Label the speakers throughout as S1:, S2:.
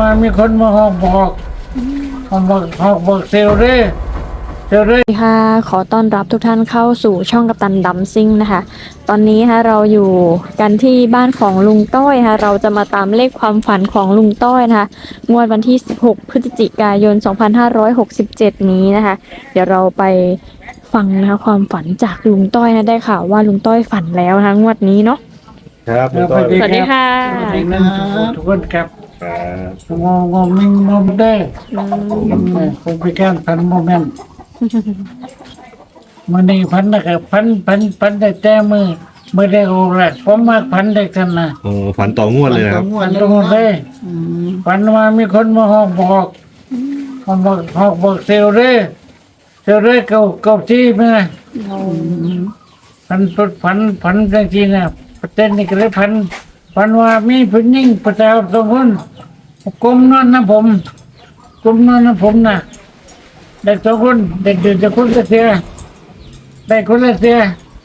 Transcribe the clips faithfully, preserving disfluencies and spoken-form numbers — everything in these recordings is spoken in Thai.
S1: มามีคนมาหอกบอกเขาบอกหอกบอกเซลเร่เซลเร่
S2: ค่ะขอต้อนรับทุกท่านเข้าสู่ช่องกัปตันดัมซิ่งนะคะตอนนี้ค่ะเราอยู่กันที่บ้านของลุงต้อยค่ะเราจะมาตามเลขความฝันของลุงต้อยนะคะงวดวันที่สิบหกพฤศจิกายนสองพันห้าร้อยหกสิบเจ็ดนี้นะคะเดี๋ยวเราไปฟังนะคะความฝันจากลุงต้อยนะได้ข่าวว่าลุงต้อยฝันแล้วนะคะงวดนี้เนาะ
S3: ครับคุณต้อย
S2: สวัสดีค่ะ
S1: สวัสดีครับทุกคนครับ
S3: ครับ
S1: งงงมิงงมได้ผมไปแก้พันโมเมนต์มันนี่พันนะครับพันพันพันได้แต่มือไม่ได้โอ้แหละผมมากพันได้กันนะ
S3: โอ้ฝันต่องวดเลยนะครับ
S1: พันตรงเลยพันมามีคนมาหอกบอกเขาบอกหอกบอกเซลเร่เซลเร่เก่าเก่าที่ไหมพันพันพันจริงๆนะประเด็นนี่ก็เลยพันพันว่ามีผู้หญิงประชาชนคนกลมนอนนะผมกลมนอนนะผมนะเด็กสองคนเด็กเด็กคนละเสียได้คนละเสีย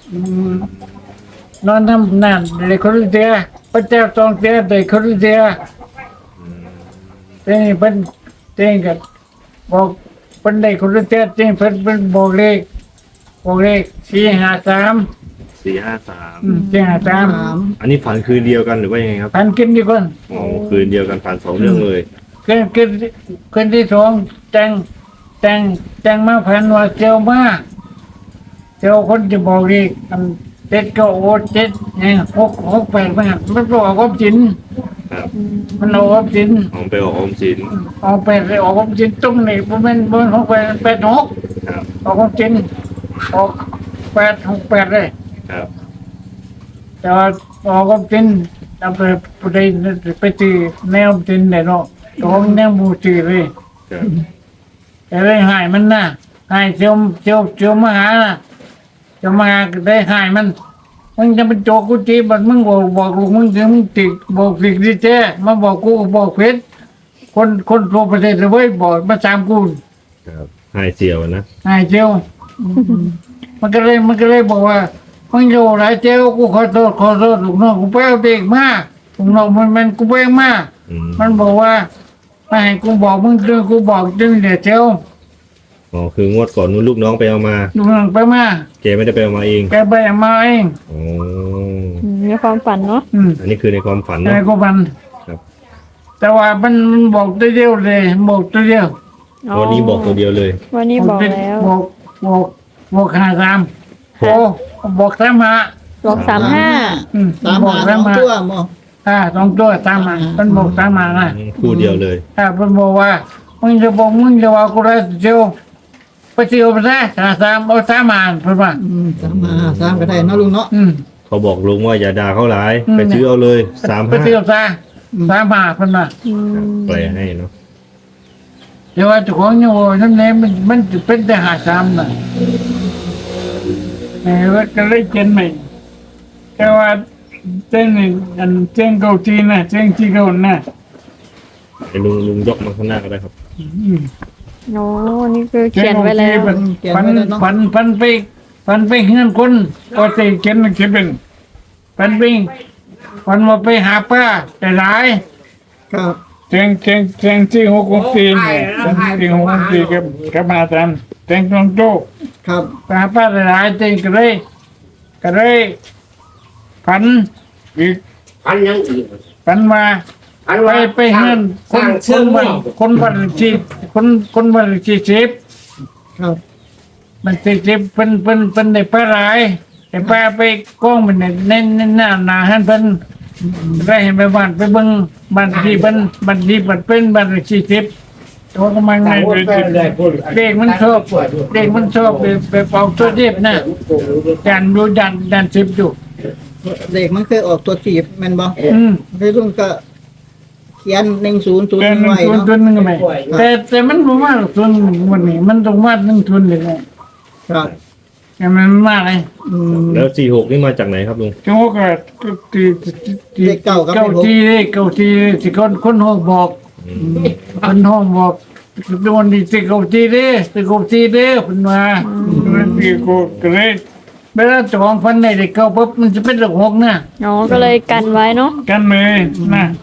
S1: นอนทำนานเด็กคนละเสียพระเจ้าสองเสียเด็กคนละเสียเจ้าเป็นเจ้าก็บอกเป็นเด็กคนละเสียเจ้าเป็นเป็นบอกเลขบอกเลขสี่ห้าสาม
S3: สี่ห้าสาม
S1: สี่ห้าสาม
S3: อันนี้ฝันคืนเดียวกันหรือว่ายังไงครับ
S1: พันกินดีคน
S3: โอ้คืนเดียวกันฝันสองเรื่องเลย
S1: คืนคืนคืนที่สองแจงแจงแจงมาพันว่าเจ้ามาเจ้าคนจะบอกอีกอันเจ็ดก็โอ้เจ็ดเนี่ยหกหกแปดมันมันบอกออกสิน
S3: ครับ
S1: มันออกสิน
S3: ออกไปออกออมสิน
S1: ออกแปดเลยออกสินตรงนี้ผมเป็นบนหกแปดแปดหก
S3: ครับ
S1: ออกสินออกแปดหกแปดเลย
S3: ครับ
S1: แต่ว่าออกสินเราไปไปไปตีแนวสินเนี่ยเนาะตรงแนวบูตีเลย
S3: ครับ
S1: แต่ได้หายมันนะหายเจียวเจียวเจียวมาหานะเจียวมาหาได้หายมันมึงจะเป็นโจกกูจีบัดมึงบอกบอกลูกมึงถึงมึงติดบอกติดดิเจมาบอกกูบอกเพชรคนคนทั่วประเทศเลยเว้ยบอกมาสามกู
S3: ครับหายเสียวนะ
S1: หายเจียวมันก็เลยมันก็เลยบอกว่ามึงอยู่หลายเจียวกูขอโทษขอโทษลูกน้องกูไปเอาเด็กมาลูกน้องมันมันกูไปเอามา
S3: อืม
S1: มันบอกว่าไม่ให้กูบอกมึงดึงกูบอกดึงเดี๋ยวเจียว
S3: อ๋อคืองวดก่อนนู้นลูกน้องไปเอามา
S1: ลูกน้องไปมา
S3: เจไม่ได้ไปเอามาเอง
S1: แกไปเอามาเอง
S3: โอ้
S2: อืมมีความฝันเนาะ
S1: อืม
S3: อันนี้คือในความฝัน
S1: แต่
S3: เนาะ
S1: ก็มัน
S3: ครับ
S1: แต่ว่ามันมันบอกตัวเดียวเลยบอกตัวเดียว
S3: วันนี้บอกตัวเดียวเลย
S2: วันนี้บอกแล้ว
S1: บอกบอกบอกห้าสามโอ้บอกสามห้า
S2: บอกสามห้า
S1: อืม
S4: สาม
S1: บอก
S4: หา
S1: สาม
S4: สอง
S1: ห้า
S4: ตัวหมอ
S1: อ่าสองตัวสามห้ามันบอกสามห้านะ
S3: อืมคู่เดียวเลย
S1: อ่ามันบอกว่ามึงจะบอกมึงจะว่ากูได้เจียวไปเจียวไปซะห้าสามเอาสามห้าเพิ่นว่า
S4: อืมสามหาสามก็ได้เนาะลุงเนาะ
S1: อืม
S3: เขาบอกลุงว่าอย่าด่าเขาหลาย
S1: อืม
S3: ไปซื้อเอาเลยสาม
S1: ไป
S3: ห้า
S1: เจียวซะสามห้าเพิ่นว่า
S2: อืม
S3: แปลให้เนาะ
S1: เดี๋ยวว่าเจ้าของเนี่ยว่านั่นแหละมันมันจะเป็นแต่ห้าสามน่ะเออว่าก็เลยเจนใหม่แต่ว่าเจ้งนี่อันเจ้งเกาจีนะเจ้งจีเกานะ
S3: ไอ้ลุงลุงยกมาข้างหน้าก็ได้ครับ
S1: อืม
S2: โอ้นี่คือเขียนไว้แล้ว
S1: พันพันพันไปพันไปเงินคนก็จะเขียนเขียนเป็นพันไปพันมาไปหาป้าแต่หลาย
S4: ครับ
S1: เจ้งเจ้งเจ้งที่หกหกสี่เนี่ยเจ้งที่หกหกสี่กับกับมาตามเจ้งตรงโต
S4: ครับ
S1: ไปหาป้าแต่หลายเจ้งก็เลยก็เลยพันอีก
S5: พันยังอีก
S1: พันมา
S5: พัน
S1: ไป
S5: ว่า
S1: ไปเงินค
S5: สร้าน ง
S1: ค
S5: เชื่อน ม
S1: วันคนวันที่คนคนวันที่สิบ
S4: ครับ
S1: มันที่สิบเป็นเป็นเป็นได้ไปหลายแต่ป้าไปกล้องมันเนี่ยเน้นเน้นหน้าหนาหันเป็นได้เห็นไปบ้านไปเบิ่งบ้านที่เป็นบ้านที่บัดเป็นบ้านที่สิบตัวกำลังในเด็กมันชอบเด็กมันชอบไปไปเป่าตัวเด็บนะดันดูดันดันสิบอยู่
S4: เด็กมันเคยออกตัวจีบแม่นบ่
S1: อืม
S4: เลยลุงก็เขียนหนึ่งศูนย์ศูนย์
S1: แต่หนึ่ง
S4: ไว้
S1: ทุน
S4: เนาะ
S1: ทุนหนึ่งไหมแต่แต่มันบ่มากทุนวันนี้มันต้องมาหนึ่งทุนเลยนะครับ แต่มันมากเลย
S4: อืม
S3: แล้วสี่หกนี่มาจากไหนครับลุง
S1: จังหวะก็ตีตี
S4: เลขเก้าครับ
S1: เก้า
S4: ผม
S1: ทีเลยเก้าทีสิคนคนห้องบอก
S3: อืม
S1: คนห้องบอกโดนดีสิเก้าทีเด้สิเก้าทีเด้เพิ่นมามันตีกูก็เลยเวลาเจ้าของพันในเด็กเก้าปุ๊บมันจะเป็นเลขหกนะ
S2: อ๋อก็เลยกันไว้เนาะ
S1: กันเลยนะ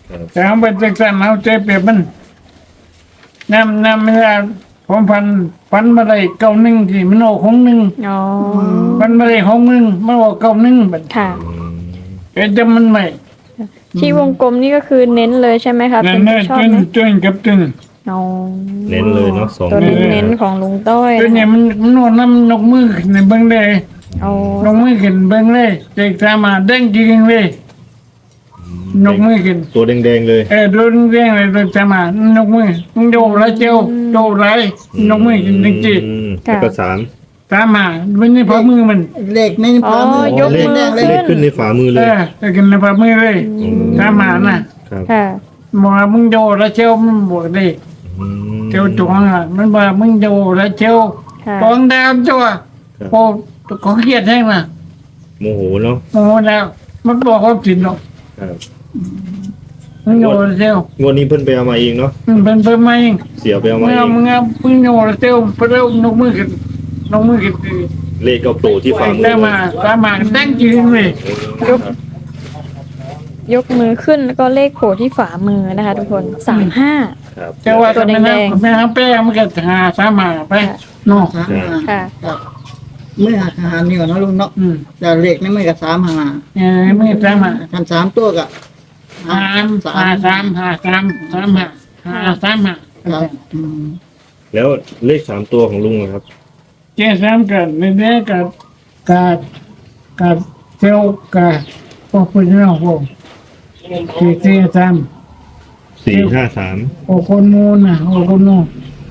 S3: ครับ
S1: แต่เอาไปจักสันเอาใจเปรียบมันน้ำน้ำไม่ได้ผมพันพันมาได้เก้าหนึ่งที่มันออกของหนึ่ง
S2: อ๋อ
S1: พันมาได้ของหนึ่งมันออกเก้าหนึ่งแบบ
S2: ค่ะ
S3: อืม
S1: เอ็ดจะมันใหม่
S2: ที่วงกลมนี่ก็คือเน้นเลยใช่ไหมคะ
S1: นั่
S2: เป็น น
S1: น่ะ
S2: ที่ชอบ
S1: จน
S2: ไหม
S1: จนกับจน
S2: อ๋อ
S3: เน้นเลยเนาะสอง
S2: ตัว
S3: ตัว
S2: เน้นๆของลุงต้อย
S1: จนเนี่ย
S2: นะคะ
S1: มันมันนอนน้ำนกมือขึ้นในเบิ้งเลย
S2: เอา
S1: นกมือขึ้นเบิ้งเลยเด็กตามมาเด้งจริงเลยนกมือขึ้น
S3: ตัวแดงๆเลย
S1: เออโดนเรียงเลยโดนตามมานกมือมึงโดนไรเจียวโดนไรนกมือขึ้นจริง
S3: อืมแล้วก็สาม
S1: ๆตามมามันนี่พอมือมัน
S4: เลขในฝ่ามือ
S2: ยกมือ
S4: แดงๆเลย
S3: เลขขึ้นในฝ่ามือ
S1: เอ
S3: เลย
S1: อแต่กินในพอมือเลยตามมาน่ะ
S3: ครับ
S2: ค่ะ
S1: บอกว่ามึงโดนไรเจียวมันบอกดิ
S3: อืม
S1: เจียวจวงอ่ะมันบอกมึงโดนไรเจียว
S2: ค่ะ
S1: ตองดาวจ้วโอ้เขาเครียดแห้งนะ
S3: โมโหเนาะ
S1: โอ้แล้วมันบอกเขาสินหรอก
S3: ครับ
S1: มึงโดนเจียว
S3: งวดนี้เพิ่นไปเอามาเองเนาะ
S1: มันเป็นเพิ่มมาเอง
S3: เสียไปเอา
S1: มึ
S3: มาง เอ
S1: เอา
S3: ง
S1: มึงเอามึงโดนเจียวไปเร็วนกมือขึ้นนกมือขึ้น
S3: เลขก็โผล่ที่ฝ่ามือ
S1: ตามมาตามมาตั้งยืนเลย
S2: ยก ยกมือขึ้นแล้วก็เลขโผล่ที่ฝ่ามือนะคะ ทุกคนสามห้า
S3: ครับ
S1: แต่ว่า
S2: ตัว
S1: ทำไม
S2: แด
S1: นะ
S2: งๆ
S1: แม่แป้งมันก็หาสามมาไปเนาะ
S4: สามหา
S2: ค่ะ
S4: ครับมือหักหานี่ก่อนเนาะลุงเนาะ
S1: อืม
S4: แต่เลขในมือกับสามหา
S1: เออไม่สามมา
S4: คันสามตัวกับ
S1: หาหาสามหาสามสามหาหาสามหา
S4: ครับอืม
S3: แล้วเลขสามตัวของลุงอะครับ
S1: เจ้าสามกับในเนี้ยกับกับกับเจ้ากับพวกผู้น้องพวกที่เจ้าสาม
S3: สี่ห้าสาม
S1: โอ้คนนู้นนะโอ้คนนู้น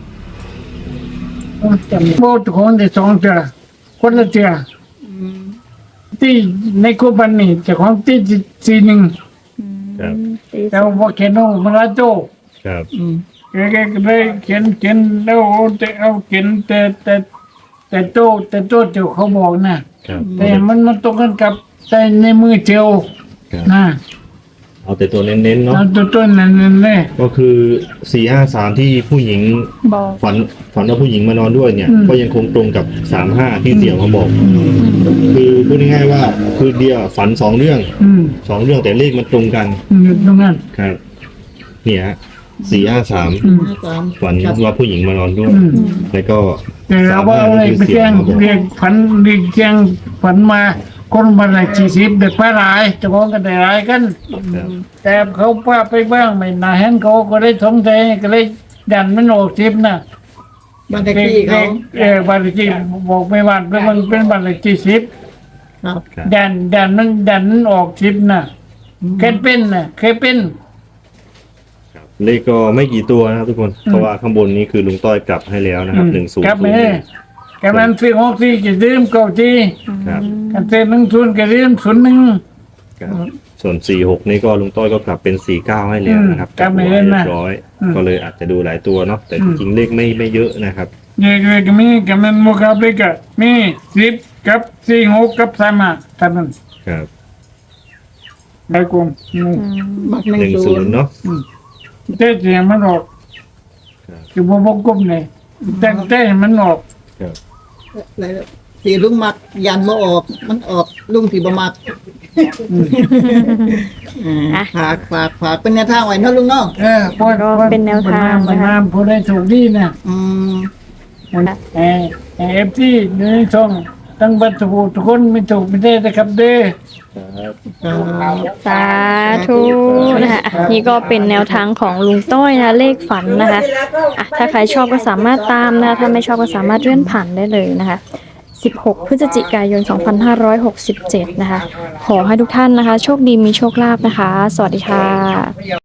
S1: โอ้จำโบ้ทุกคนได้สองเจ้าคนละเจ้า
S4: อืม
S1: ที่ในคูปันนี่เจ้าของที่สี่หนึ่ง
S3: ครับ
S1: แต่ว่าเขียนโอ้มาลาโต
S3: ครับ
S4: อืม
S1: แกก็เลยเขียนเขียนแล้วเอาแต่เอาเขียนแต่แต่แต่โตแต่โตเจ้าเขาบอกนะครับ แต่มันมันตรงกันกับใจในมือเจ้า
S3: ครับ
S1: นะ
S3: เอาแต่ตัวเน้นๆเนาะ
S1: เอาตัวต้นนั่นนั่นเลย
S3: ก็คือสี่ห้าสามที่ผู้หญิง
S2: บอก
S3: ฝันฝันว่าผู้หญิงมานอนด้วยเนี่ย
S1: อืม
S3: ก็ยังคงตรงกับสามห้าที่เสี่ยวมาบอก คือพูดง่ายๆว่าคือเดียวฝันสองเรื่อง
S1: อืม
S3: สองเรื่องแต่เลขมันตรงกัน
S1: อยู่ตรงนั้น
S3: ครับ เนี่ยสี่ห้าสาม
S1: อืม
S4: สาม
S3: ฝันว่าผู้หญิงมานอนด้วย
S1: อืม
S3: แล้วก็
S1: แต่เราว่าอะไรไปแจ้งเรียกฝันเรียกแจ้งฝันมาคนมาละสี่สิบเด็กไปหลายเจะพ้าของกันได้หลายกัน
S3: ครับ
S1: แต่เขาป้าไปบ้างไม่นาเห็นเขาก็เลยสงสัยก็เลยดันมันออกทิพย์นะ
S4: บ้านเลขที่เขา
S1: เออบ้านเลขที่บอกไม่ว่าเป็นมันเป็นบ้านเลขที่สิบ
S4: ครับ
S3: ครับ
S1: ดันดันมันดันมันออกทิพย์นะเคยเป็นนะเคยเป็น
S3: ครับเลขก็ไม่กี่ตัวนะครับทุกคน เพราะว่าข้างบนนี้คือลุงต้อยกลับให้แล้วนะครับหนึ่งศูนย์
S1: ครับ
S3: ศูน
S1: แม่
S3: ย์
S1: กำลังซื้อหกที่จะดื่มเก้าที่
S3: ครับ
S1: กันเต้นหนึ่งศูนย์ก็ดื่มศูนย์หนึ่ง
S3: ครับส่วนสี่หกนี่ก็ลุงต้อยก็กลับเป็นสี่เก้าให้แล้วนะครับ
S1: อืมกลับ
S3: หั
S1: ไม่
S3: ว
S1: เล่น
S3: เรี
S1: นะ
S3: ยบร้อย
S1: อืม
S3: ก็เลยอาจจะดูหลายตัวเนาะแต่
S1: อื
S3: จ
S1: ม
S3: ริงๆเลขไม่ไม่เยอะนะครับ
S1: เด็กเด็กมีกำลังโมกับเลยก็มีสิบกับสี่หกกับสามห้าเท่านั้น
S3: ครับ
S1: ได้กลมอืม
S4: บักหนึ่ง
S3: หนึ่ง
S4: ศู
S3: ศู
S4: น
S3: น
S4: ย์
S3: ย์เนาะ
S1: เต้เสียงมันออก
S3: ครับ
S1: คือบ่บ่กลมเลยแต่เต้มันออก
S3: ครับ
S4: อะไรสีลุงมักยันมาออก มันออกลุงสีบมักอ่าฝากฝากฝากเป็นแนวทางไว้เนาะลุงเนาะ
S1: เออพอ
S2: ก็เป็นแนวทาง
S1: มัน
S2: นะคะ
S1: น้ำผู้ได้ถูกดีนะ
S4: อืม
S1: เออเอฟซีหนึ่งสองตั้งบัตรถูกทุกคนไม่ถูกไม่ได้นะครับเด้อ
S3: ครับ
S2: สาธุนะคะอ่ะนี่ก็เป็นแนวทางของลุงต้อยนะคะเลขฝันนะคะอ่ะถ้าใครชอบก็สามารถตามนะคะถ้าไม่ชอบก็สามารถเลื่อนผ่านได้เลยนะคะสิบหกพฤศจิกายนสองพันห้าร้อยหกสิบเจ็ดนะคะขอให้ทุกท่านนะคะ โชคดีมีโชคลาภนะคะ สวัสดีค่ะ